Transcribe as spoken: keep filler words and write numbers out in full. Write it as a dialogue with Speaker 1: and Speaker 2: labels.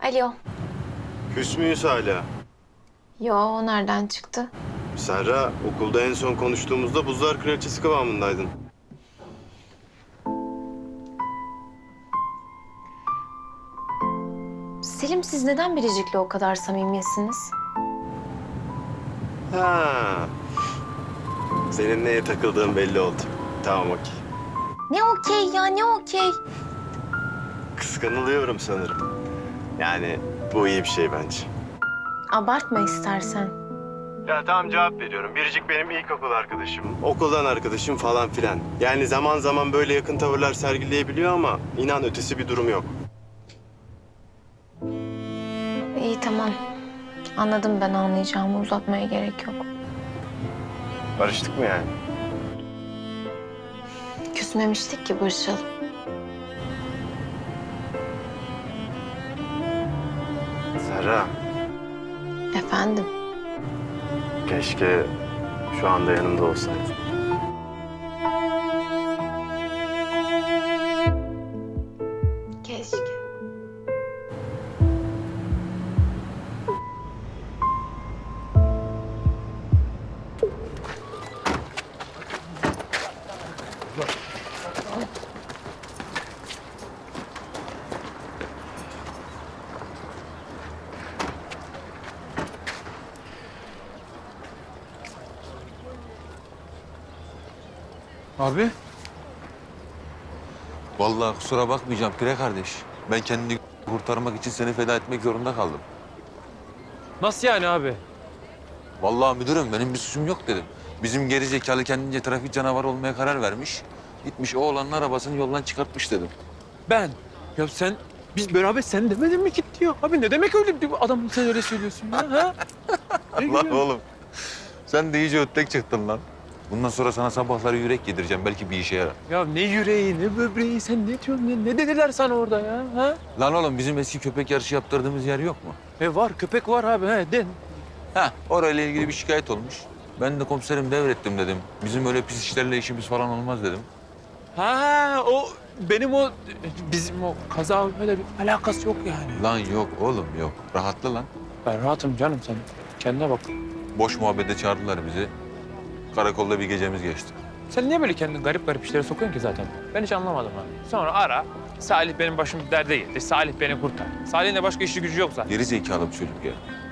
Speaker 1: Alo.
Speaker 2: Küs müyüz hala?
Speaker 1: Yo, o nereden çıktı?
Speaker 2: Serra, okulda en son konuştuğumuzda buzlar kraliçesi kıvamındaydın.
Speaker 1: Selim, siz neden Biricik'le o kadar samimiyesiniz?
Speaker 2: Ha. Senin neye takıldığın belli oldu. Tamam, okey.
Speaker 1: Ne okey ya, ne okey?
Speaker 2: Kıskanılıyorum sanırım. Yani bu iyi bir şey bence.
Speaker 1: Abartma istersen.
Speaker 2: Ya tamam, cevap veriyorum. Biricik benim ilkokul arkadaşım. Okuldan arkadaşım falan filan. Yani zaman zaman böyle yakın tavırlar sergileyebiliyor ama inan ötesi bir durum yok.
Speaker 1: İyi, tamam. Anladım, ben anlayacağımı, uzatmaya gerek yok.
Speaker 2: Barıştık mı yani?
Speaker 1: Küsmemiştik ki, barışalım.
Speaker 2: Serra,
Speaker 1: Efendim?
Speaker 2: keşke şu anda yanımda olsaydın.
Speaker 1: Keşke.
Speaker 3: Abi. Vallahi kusura bakmayacağım Pire kardeş. Ben kendini kurtarmak için seni feda etmek zorunda kaldım.
Speaker 4: Nasıl yani abi?
Speaker 3: Vallahi müdürüm benim bir suçum yok dedim. Bizim geri zekalı kendince trafik canavarı olmaya karar vermiş. Gitmiş o oğlanın arabasını yoldan çıkartmış dedim.
Speaker 4: Ben. Ya sen, biz beraber sen demedin mi git diyor. Abi ne demek öyle bir adam sen öyle söylüyorsun ya ha? Ne
Speaker 3: Lan
Speaker 4: gülüyorsun?
Speaker 3: oğlum sen de iyice ötlek çıktın lan. Bundan sonra sana sabahları yürek yedireceğim. Belki bir işe yarar.
Speaker 4: Ya ne yüreği ne böbreği sen ne diyorsun ne, ne dediler sana orada ya ha?
Speaker 3: Lan oğlum bizim eski köpek yarışı yaptırdığımız yer yok mu?
Speaker 4: E var köpek var abi he den.
Speaker 3: Ha, orayla ilgili bir şikayet olmuş. Ben de komiserim devrettim dedim. Bizim öyle pis işlerle işimiz falan olmaz dedim.
Speaker 4: Ha o benim o bizim o kaza öyle bir alakası yok yani.
Speaker 3: Lan yok oğlum yok. Rahatla lan.
Speaker 4: Ben rahatım canım sen kendine bak.
Speaker 3: Boş muhabbete çağırdılar bizi. Karakolda bir gecemiz geçti.
Speaker 4: Sen niye böyle kendini garip garip işlere sokuyorsun ki zaten? Ben hiç anlamadım abi. Sonra ara. Salih benim başım derde girdi. Salih beni kurtar. Salih'in de başka işi gücü yok zaten.
Speaker 3: Geri zekalı bir çocuk ya.